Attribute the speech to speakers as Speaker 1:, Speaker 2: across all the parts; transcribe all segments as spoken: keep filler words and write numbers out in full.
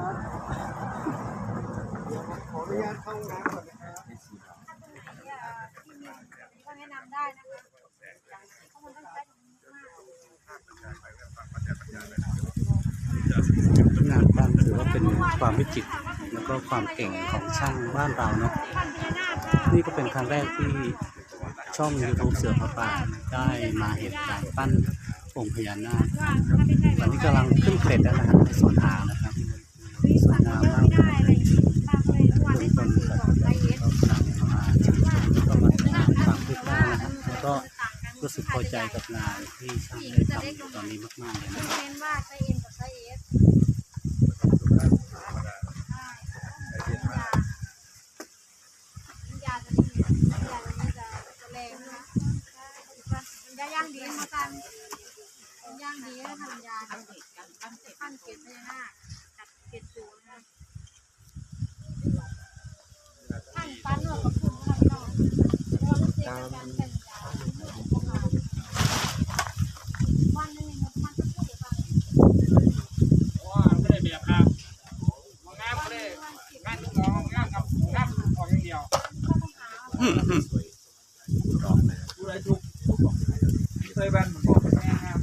Speaker 1: ขออนุญาตเข้าห้องน้ำก่อนนะครับ
Speaker 2: ก็แนะนำได้นะคะข้อมูลต้องใช้
Speaker 3: งานบ้านถือว่าเป็นความวิจิตรแล้วก็ความเก่งของช่างบ้านเราเนาะนี่ก็เป็นครั้งแรกที่ช่อง ยูทูบ เสือพระป่าได้มาเห็นการปั้นองค์พญานาคตอนนี้กำลังขึ้นเกรดแล้วนะครับในส่วนหางนะครับสวยงามมากทุกคนก็กำลังมาชื่นชมแล้วก็มาติดตามความคืบหน้านะครับแล้วก็รู้สึกพอใจกับงานที่ช่างได้ทำตอนนี้มากๆเลยนะครับ
Speaker 2: เน้นว่าใช้เอ็นกับใช้เอสยาจะดียาจะนี้จะจะแรงนะมันจะย่างดีมากันย่างดีแล้วทำยาขั้นเกล็ดพญานาคตัดเกล็ดสูงนะขั้นปั้นหนวดกับคุณทำต่อเพราะว่ามันเสียการเป็นยาวันนึงมันจะพูดอะไร
Speaker 4: ว้าไม่ได้เบียบครับงามไม่ได้งานงองงามกับงามออกอย่างเดียวดูอะไรทุกเคยแบนบอกแม่ครับ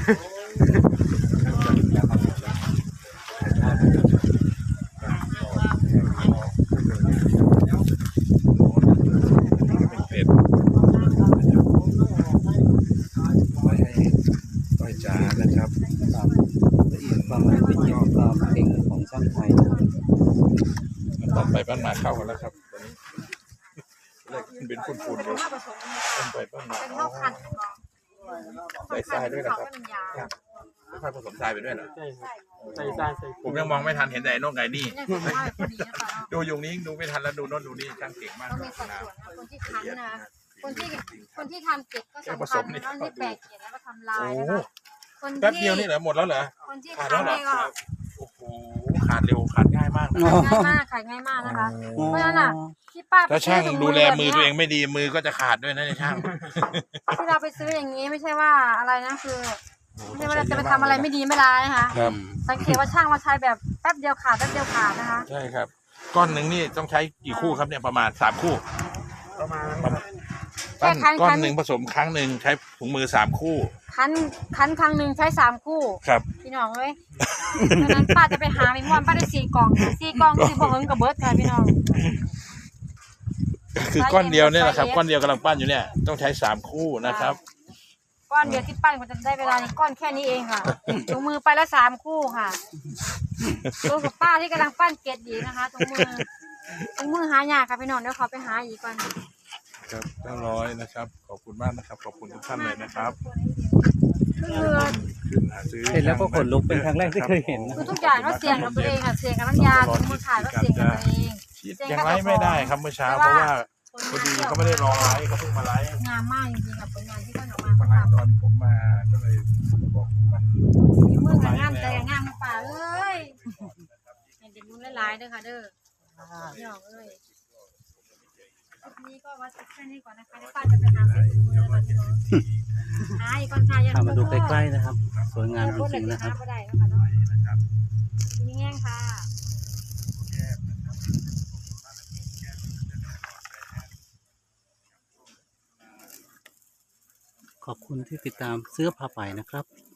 Speaker 1: ต้อยจ๋านะครับ
Speaker 3: ละเอียดความละเอียดความเก่งของช่างไทยนะครับ
Speaker 5: ต่อไปบ้านหมาเข้ากันแล้วครับตอนนี้แรกเป็นฝุ่นๆอยู่ต้นไปบ้านหมา
Speaker 2: เป็นข้าวผัด
Speaker 5: ใส่ทรายด้วยนะครับ
Speaker 2: เป็นยา
Speaker 5: ค่อยผสมทรายไปด้วยเหรอ
Speaker 4: ใช่ใส่ใส่ใส่
Speaker 5: ผมยังมองไม่ทันเห็นแต่ไอ้โน่นไก่นี่
Speaker 2: เนี่ยคือว่าพอดีนะป่ะ
Speaker 5: ดูยุงนี้ดูไม่ทันแล้วดูโน่นดูนี่ช่างเก่งมาก
Speaker 2: ต้องมีสัดส่วนนะคนที่คั้นนะคนที่คนที่ทำเก็บก็สำคัญนะที่แปลกเก็บแล้วก็ทำลายนะคะคนที่
Speaker 5: แป๊บเดียวนี่เหรอหมดแล้วเหรอ
Speaker 2: คนที่
Speaker 5: ขาด
Speaker 2: คั้
Speaker 5: แล้
Speaker 2: น
Speaker 5: วเหรอ
Speaker 2: นี่ก็
Speaker 5: โอ้โหขาดเร็วขาดง่ายมากนะ
Speaker 2: ขายง่ายมากขายง่ายมากนะคะเพราะฉะนั้นอ่ะที่ป้า
Speaker 5: ถ้าช่างดูแลมือตัวเองไม่ดีมือก็จะขาดด้วยนะเนี่ยช่าง
Speaker 2: ที่เราไปซื้ออย่างนี้ไม่ใช่ว่าอะไรนะคือไม่ใช่ว่าเราจะไปทำอะไรไม่ดีไม่ร้ายนะคะ
Speaker 5: ครับ
Speaker 2: สังเกตว่าช่างมาใช้แบบแป๊บเดียวขาดแป๊บเดียวขาดนะคะ
Speaker 5: ใช่ครับ ก้อนหนึ่งนี่ต้องใช้กี่คู่ครับเนี่ยประมาณสามคู่
Speaker 4: ประมาณ
Speaker 5: ปั้นก้อนหนึ่งผสมครั้งหนึ่งใช้ถุงมือสามคู่
Speaker 2: คั้นคั้นครั้งหนึ่งใช้สามคู่
Speaker 5: ครับ
Speaker 2: พี่น้องเอ้ยดังนั้นป้าจะไปหาเมมอนป้าได้สี่กล่องค่ะสี่กล่องสี่บ่เฮิงกับเบิร์ดค่ะพี่น้อง
Speaker 5: คือก้อนเดียวเนี่ยแหละครับก้อนเดียวกำลังปั้นอยู่เนี่ยต้องใช้สามคู่นะครับ
Speaker 2: ก้อนเดียวที่ปั้นก็จะได้เวลานี้ก้อนแค่นี้เองค่ะถุงมือไปละสามคู่ค่ะตัวกับป้าที่กำลังปั้นเกล็ดดีนะคะถุงมือถุงมือหายากค่ะพี่น้องเดี๋ยวขอไปหาอีกก่อน
Speaker 5: ครับเก้าร้อยนะครับขอบคุณมากนะครับขอบคุณทุกท่านเลยนะครับ
Speaker 2: คือ
Speaker 5: ขึ้นหาซื้อ
Speaker 3: เห็นแล้วก็ขนลุกเป็นครั้งแรกที่เคยเห็นนะ
Speaker 2: คือทุกอย่างก็เสี่ยงกับตัวเองค่ะเสี่ยงกับน้ำยาถุงมือขาดก็เสี่ยงกับตัวเอง
Speaker 5: คิดยังไลฟ์ไม่ได้ครับเมื่อเช้าเพราะว่าพอดีเขาไม่ได้รอไลฟ์เขาเพิ่งมาไลฟ์
Speaker 2: งามมากจริงๆกับผลงานที่ท่านออกมา
Speaker 5: มา
Speaker 2: เขา
Speaker 5: ไลฟ์
Speaker 2: ทำ
Speaker 5: ตอนผมมาก็เลยบอกมัน
Speaker 2: มีมือกับงามใจกับงามในป่าเอ้ยเห็นเป็นมุ้งหลายๆเด้อค่ะเด้อพี่น้องเอ้ยนี้ก็วัดแค่นี้ก่อนนะคะที่ป้าจะไปหาเศษถุงมือก่อนพี่น้องหาอีกก่อนค่ะยัง
Speaker 3: พามาดูใกล้ๆนะครับ สวยงามจริงๆนะครับ
Speaker 2: ก็ได้นะคะเนาะมีแง่งค่ะ
Speaker 3: ขอบคุณที่ติดตามเสื้อผ้าไปนะครับ